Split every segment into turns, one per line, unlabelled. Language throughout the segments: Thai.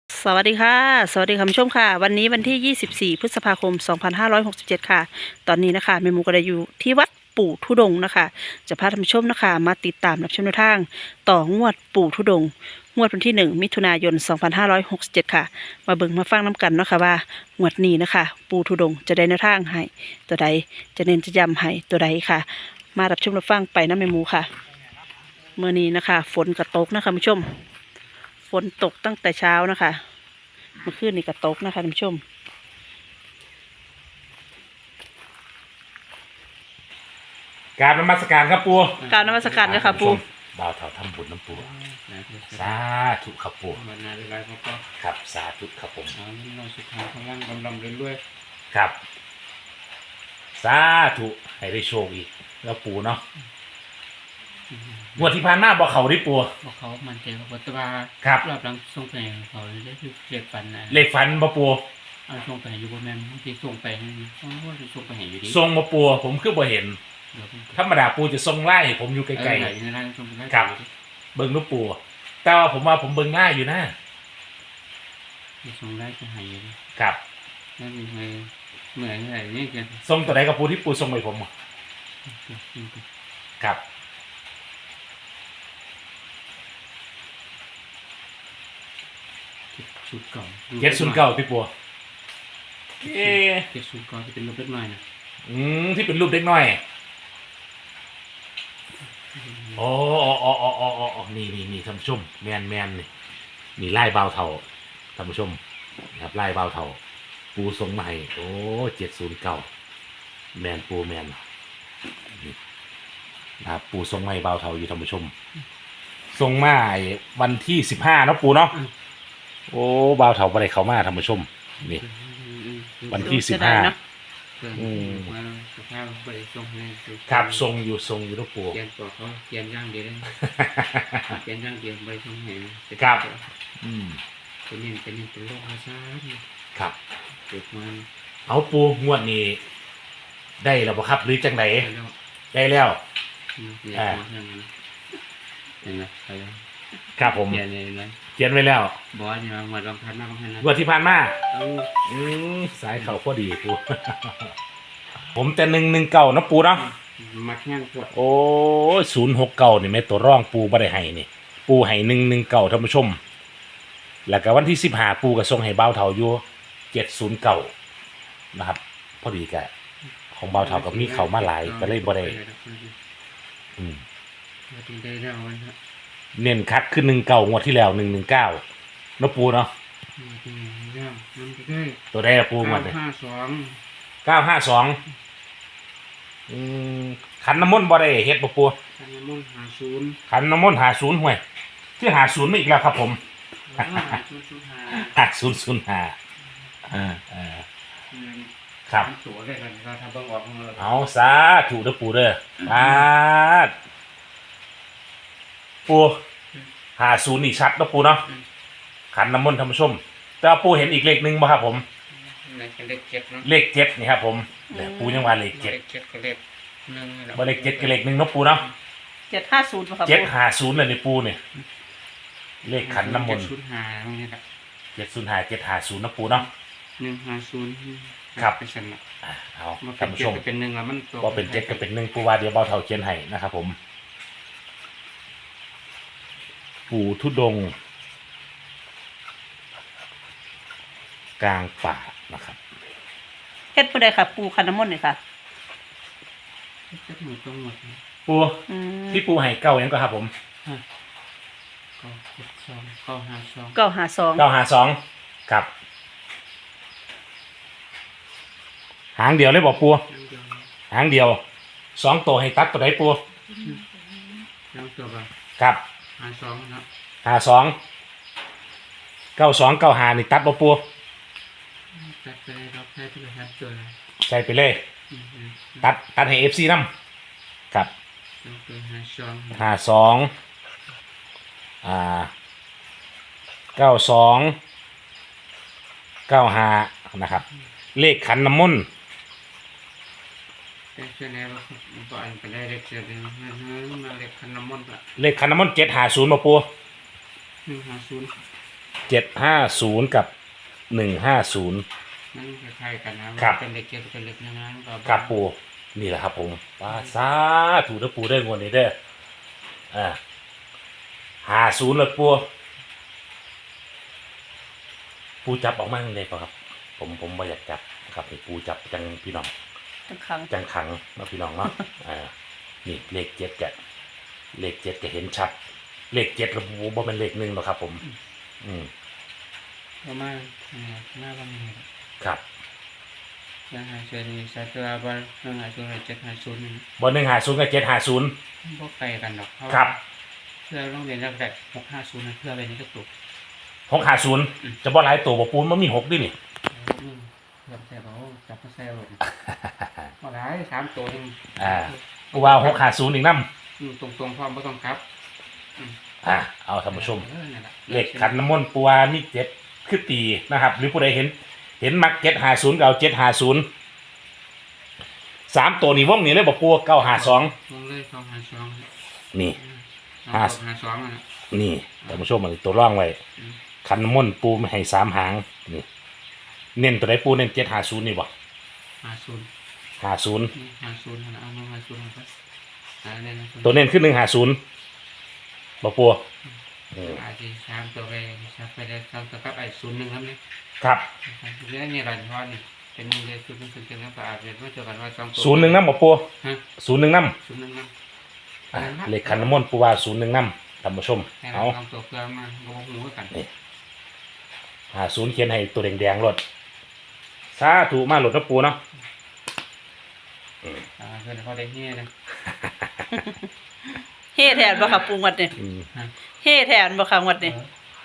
สวัสดีค่ะสวัสดีคุณผู้ชมค่ะวันนี้วันที่24พฤษภาคม2567ค่ะตอนนี้นะคะแม่หมูก็ได้อยู่ที่วัดปู่ทุดงค์นะคะจะพาท่านผู้ชมนะคะมาติดตามรับชมแนวทางต่องวดปู่ทุดงค์งวดวันที่1มิถุนายน2567ค่ะมาเบิ่งมาฟังน้กันเนาะค่ะว่างวดนี้นะคะปู่ทุดงค์จะได้แนวทางให้ตัวใดจะเน้นจะย้ำให้ตัวใดค่ะมารับชมรับฟังไปนะแม่หมูค่ะเมื่อนี้นะคะฝนกระตกนะคะคุณผู้ชมฝนตกตั้งแต่เช้านะคะเมื่อคืนนี่ก็ตกนะคะท่านผู้ชม
กราบนมัสการครับปู
กรารนมัสการเลยค่ะปู
บ่าวเถาทำบุญน้ำปูสาธุครับปู
มันนานเลยครับก็
ครับสาธุครับผม
เราสุดท้ายข้างล่างกำลังเรื่อย
ครับสาธุให้ได้โชคอีกแล้วปูเนาะงวดที่ผ่านมาบอกเขาได้ปู
บอกเขามันเจอกับวัตวา
ครับ
รอบหลังส่งไปเขาได้คือเรียกฟันนะ
เลขฝันบ่ปู
เอาส่งไปอยู่บนแม่ที่ส่งไปต้องว่าจะส่งไปเห็นอยู่ดี
ทรงบ่ปูผมคือบ่เห็นธรรมดาปูจะทรงไล่ผมอยู่ไกล
ๆ
ครับเบิ่งลูกปูแต่ว่าผมว่าผมเบิ่งง่ายอยู่นะ
ส่งได้จะหายอยู่
ครับ
นั่นเหมือนอะไรนี่กัน
ทรงตัวไหนกับปูที่ปูทรงไปผมครับ
ชุดเก่า
709พี่ปู
เก็บชุดเก่าที่เป็นรูปเล็กน้อยนะ
ที่เป็นรูปเด็กน้อยอ๋อนี่ท่านผู้ชมแมนนี่ไล่เบาเท่าท่านผู้ชมนะครับไล่เบาเท่าปูทรงใหม่โอ้709แมนปูแมนนะครับปูทรงใหม่เบาเท่าอยู่ท่านผู้ชมทรงมาวันที่15นะปูเนาะโอ้เบาเท่าไปเลยเขามาท่านผู้ชมนี่วันที่15
มาสภาพไปส่งให้
ครับทรงอยู่ลูกปู
เขียนบอกเขาเขียนย่างเดียวเลยเขียนย่างเดียวไปส่งให้
ครับ
เป็นโรคอาชา
ครับ
เกิดมา
เอาปูงวดนี้ได้แล้วบ่ครับหรือจังไหนได้แล้วครับผมเขียนไว้แล้ว
บอสเนี่ยมาลองทันมากให้นะ
งวดที่ผ่านมาสายเข่าพอดีปูผมแต่119นะปูเนาะ
มักแห้งปวด
โอ้069นี่แม่ตัวร่องปูบ่ได้ให้นี่ปูให้119ท่านผู้ชมแล้วก็วันที่15ปูก็ส่งให้เบาเฒ่าอยู่709นะครับพอดีกะของเบาเฒ่ากับมีเข้ามาหลายก็เลยบ่ได้เน้นคัดขึ้น19งวดที่แล้ว119นะปูเนาะตัวได้ปูมันเลย952ขันน้ำมนต์บ่ได้เฮ็ดบ่ปู
ขันน้ำมนต์50
ขันน้ำมนต์50ห่วยที่50มาอีกแล้วครับผม5005ครับเอาสาธุเด้อปูเด้อปู50นี่ชัดนะปูเนาะขันน้ำมนต์ท่านผู้ชมแต่ปูเห็นอีกเลขหนึ่งบ่ครับผมเลข7นี่ครับผมปูยังว่าเลข7
ก็เลข1
บ่เลข7ก็เลข1เนาะปูเนาะ
750ครับ
750เลยนี่ปูเนี่ยเลขขันน้ำมนต์705นะปูเนาะ
150
ครับเอา
ท่านผู้ชมเป็น1แล้วมัน
บ่เป็น7ก็เป็น1ปูว่าเดี๋ยวเบาเฒ่าเขียนให้นะครับผมปู่ทุดงค์กลางป่านะครับ
เฮ็ดผู้ใดค่ะปูขันน้ำมนต์นี่ค่ะ
ปูที่ปูให้เก้ายังก็ครับผม
952
ครับหางเดียวเลยบอกปูหางเดียว2ตัวให้ตัดตัวไหนปูครับ
52นะ
52 95นี่ตัดบ่ปูใส่ไปเลยตัดให้ FC นำครับ52 92 95นะครับเลขขันน้ำมนต์
เลขขันน้ำมนต์
750บ่ปู
150
750กับ150
มันคล้ายๆกันนะครับ เป็นเด็กเจ็ดเป็นเล็กน้อยก็
กับปูนี่แหละครับผมป้าสาถูกนะปูได้งวดนี้เด้อ50เลยปูจับออกมาเลยครับผมไม่อยากจับครับให้ปูจับจังพี่น้อง
ทั้งครั้ง
จังขังเนาะพี่น้องเนาะ นี่เลข7จะเลข7จะเห็นชัดเลข7ระบุบ่เป็นเลข1หรอกครับ ผม
ประมาณหน้าบ้านนี้
ครับ
ยังหาเชิญสัตว์บ้านยังหาเชิญ750นี่
บ่150กับ750
บ่ไกลกันหรอก
ครับ
เพื่อโรงเรียนแรก650เพื่อไปนี่ก็ตก
650จะบ่หลายตัวบ่ปูนมันมี6ด้วยนี่
เริ่มแซ่บจับมาแซ่บบ่หลาย3ตัวนึง
ปูว่า650อีกนำ
ตรงๆพร้อมบ่ต้องกลับ
เอาท่านผู้ชมเลขขันน้ำมนต์ปูว่ามี7คือตีนะครับ หรือผู้ใดเห็นมัก750ก็เอา750 3ตัวนี่วงนี้เลยบ่ปู952
วงเลย252
นี่
252อ่ะ
นี่ท่านผู้ชมมันตัวร่องไว้ขันน้ำมนต์ปูไม่ให้3หางนี่เน้นตัวใดปูเน้น750นี่บ่
50
50
นี่50นะเอามา50ครับ
ตัวเน้นขึ้น150บ่ปู
อาจจะ3ตัวไปชักไปได้2ตัวกับไอ้01ครับนี่
ครับ
เรื่องนี้รันทอนนี่เป็นมือเลยคือเป็นกันแล้วก็อาจจะไม่เจอกันว่า2ตัว
01นำบ่ปู
ฮะ
01นำ
01นะ
เลขขันน้ำมนต์ปูว่า01นำท่านผู้ชม
แต่
เอา
2ตัวเพื่อมาบ่ฮู้กัน
50เขียนให้ตัวแดงๆรถสาธุมาหลดนะปูเนาะ
เพื่อนเขาได้เฮ็ดนะ
เฮ่แทนบ่ค่ะปูงวดนี่เฮ่แทนบ่ค่ะงวดนี่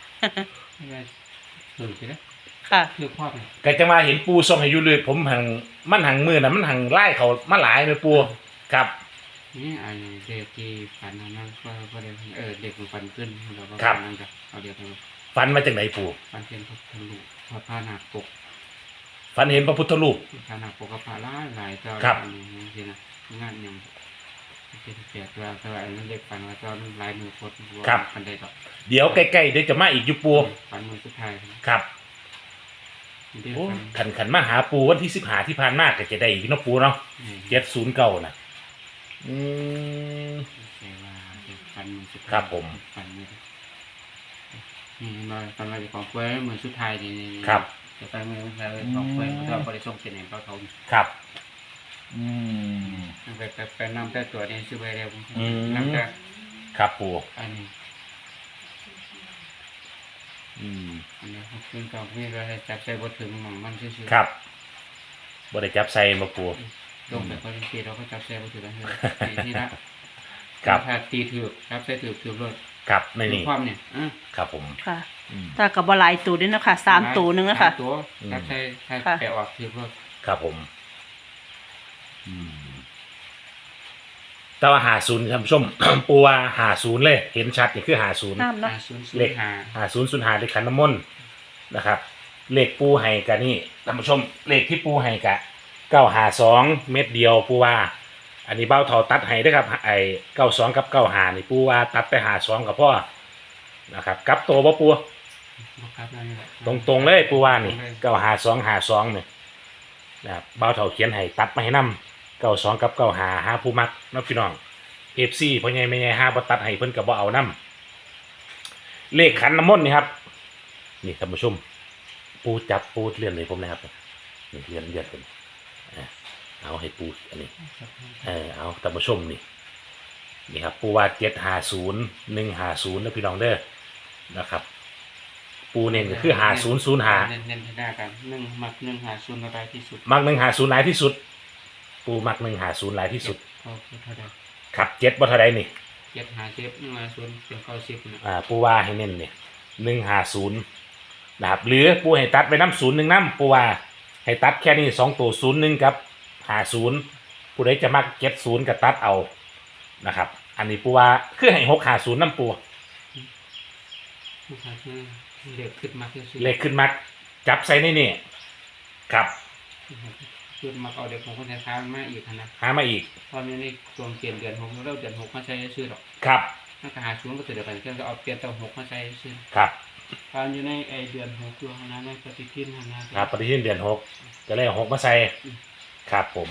ถือสินะ
ค่ะ
ถือพ่อไป
ก็จะมาเห็นปูส่งให้อยู่เลยผมหังมันหังมือน่ะมันหังไล่เขามาหลายเลยปูครับ
นี่ไอ้เด็กที่ฝันนั้นก็ได้เด็กมันฝันขึ้นเราก็นั่งจะเอาเด็กไป
ฝันมาจากไหนปู
ฝันเป็นพระทะลุพระพานาปก
ฝันเห็นพระพุทธรูป
พานาปกกับพระหลายเจ้านี่นะงานยังเป็นแปดว่าแต่ว่าไอ้นั่นเด็กฝันว่าเจ้าลายมือโคตรฝันได้ต่อ
เดี๋ยวใกล้ๆเดี๋ยวจะมาอีกอยู่ปู
ฝันมือสุดท้าย
ครับ
เด็ก
โอ้
ฝัน
ขันมาหาปูวันที่15ที่ผ่านมาก็จะได้อีกเนาะปูเนาะ709น่ะ
แต่ว่าเด็กฝันมือสุดท้าย
ครับผม
ฝันนี่มาฝันว่าจะของกล้วยมือสุดท้ายนี่
ครับ
จะไปมือสุดท้ายของกล้วยเราบริส่งเสน่ห์เขาทำ
ครับ
ไปนำแต่ตัวนี้ซื้อไปเร็ว
อืม
นำแต่
ครับปู
อันนี้ขึ้นกับนี่เราจับใส่บทถึงหม่องมันซื่อๆ
ครับบ่ได้จับใส่มาปู
ลงแต่พอจริงๆเราก็จับใส่บทถึงกันเลยนี่ละ
ครับ
ถ้าตีถือจับใส่ถือรถ
ครับในนี่
ความเนี่ย
ครับผม
ค่ะถ้ากับบ่หลายตัวด้วยเนาะค่ะ3ตัวนึงนะคะ
ตัวจับใส่ให้
ค่ะ
แปะออกถือรถ
ครับผมแต่ว่า50ท่านผู้ชม ปูว่า50เลย เห็นชัดนี่คือ50
น้ำเนาะ
เลข
5005เลขขันน้ำมนต์นะครับ เลขปูให้กะนี่ท่านผู้ชม เลขที่ปูให้กะ952เม็ดเดียวปูว่า อันนี้เบ้าเท่าตัดให้ด้วยครับไอ้92กับ95นี่ปูว่าตัดไป52กับพ่อนะครับกลับตัวบ่ปู ตรงๆเลยปูว่านี่95252นี่นะครับเบ้าเท่าเขียนให้ตัดมาให้นำ92กับ95หาผู้มักเนาะพี่น้อง FC พ่อใหญ่แม่ใหญ่หาบ่ตัดให้เพิ่นก็บ่เอานำเลขขันน้ำมนต์นี่ครับ นี่ท่านผู้ชม ปูจับปูเลื่อนเลยผมนะครับนี่เลื่อนเป็นเอาให้ปูอันนี้เอาท่านผู้ชมนี่ครับปูว่า750 150นะพี่น้องเด้อนะครับ ปูเน้นก็คือ5005
เน้นให้ได้กันมัก150ระบายที่สุด
มัก150หลายที่สุด ปูมัก150หลายที่สุด
เขาเท่าใด
ครับ7บ่เท่าใดนี่
750 150เป็น90นะ
ปูว่าให้เน้นนี่150นะครับหรือปูให้ตัดไปน้ำ01น้ำปูว่าให้ตัดแค่นี้2ตัว01กับ50ผู้ใดจะมัก70กับตัดเอานะครับอันนี้ปูว่าคือให้650น้ำปู
เด็กขึ้นมาที่สุด
เลขขึ้นมักจับใส่ในนี่ครับ
ขึ้นมาเอาเด็กของคนไทยค้ามาอีกนะ
หามาอีก
ตอนนี้ในช่วงเปลี่ยนเดือน6แล้วเดือน6มาใช้ชื่อหรอก
ครับ
ถ้าหาศูนย์ก็ถือเดียวกันก็เอาเปลี่ยนตัว6มาใช้ชื่อ
ครับ
ทานอยู่ในไอเดือน6อยู่ข้างหน้าในปฏิทินข้างหน้า
ครับปฏิทินเดือน6จะเลย6มาใส่ครับผม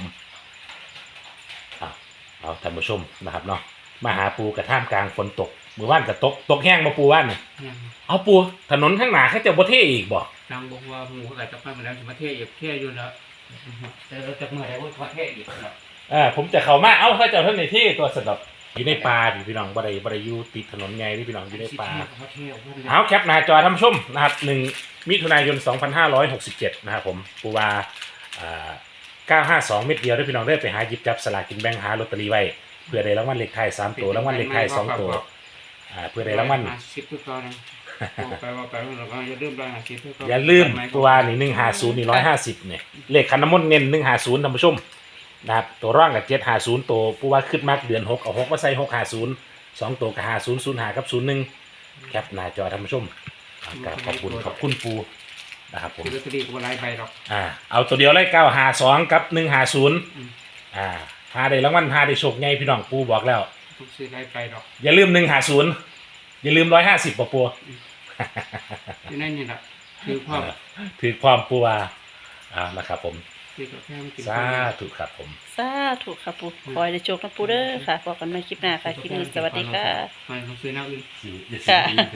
เอาท่านผู้ชมนะครับเนาะมาหาปูกระท่ามกลางฝนตกมือว่านกับตกแห้งมาปูว่านเนี่ย
เนี่ย
เอาปูถนนข้างหน้าเขาจะบ่เท่อีกบ่
นางบอกว่าหมูเขาอาจจะไปมาแล้วจะมาเทศอีกเทศอยู่แล้วแต่เราจะเมื่อไหร่ว่าประเทศอีกครับ
ผมจะเข้ามาเอาเขาเจ้าท่านในที่ตัวสำหรับอยู่ในป่าพี่น้องบ่ได้อยู่ติดถนนไงที่พี่น้องอยู่ในป่า
ประเทศ
เอาแคปหน้าจอท่านผู้ชมนะครับ1 มิถุนายน 2567นะครับผมปูวา952 เม็ดเดียวได้พี่น้องได้ไปหาหยิบจับสลากกินแบ่งหาลอตเตอรี่ไว้เพื่อได้รางวัลเลขท้าย3ตัวรางวัลเลขท้าย2ตัวเพื่อได้รางวัล
10ตัวนะบอกไปว่าไปเราก็อย่าลืมรายงาน10ตัว
อย่าลืมปูวานี่150นี่150เนี่ยเลขคันน้ำมนต์เน้น150ท่านผู้ชมนะครับตัวร่างกับ750ตัวปูว่าขึ้นมากเดือน6เอา6มาใส่650 2ตัวกับ50 05กับ01แคปหน้าจอท่านผู้ชมขอบคุณปูนะครับผม
ลอตเตอรี่ก็หลายใบหรอก
เอาตัวเดียวเลย952กับ150หาได้รางวัลหาได้โชคใหญ่พี่น้องปูบอกแล้ว
ต้องซื้อหลายใบหรอก
อย่าลืม150อย่าลืม150ป่ะปู
อยู่ในนี่แหละคือความ
ถือความปูว่านะครับผม
ที่ก็แค่กิน
สาธุครับผม
สาธุค่ะปูคอยได้โชคนะปูเด้อค่ะพบกันใหม่คลิปหน้าค่ะคลิปนี้สวัสดีค่ะ
ไม่ต้องซื้อหน้าอื่น
ค่ะ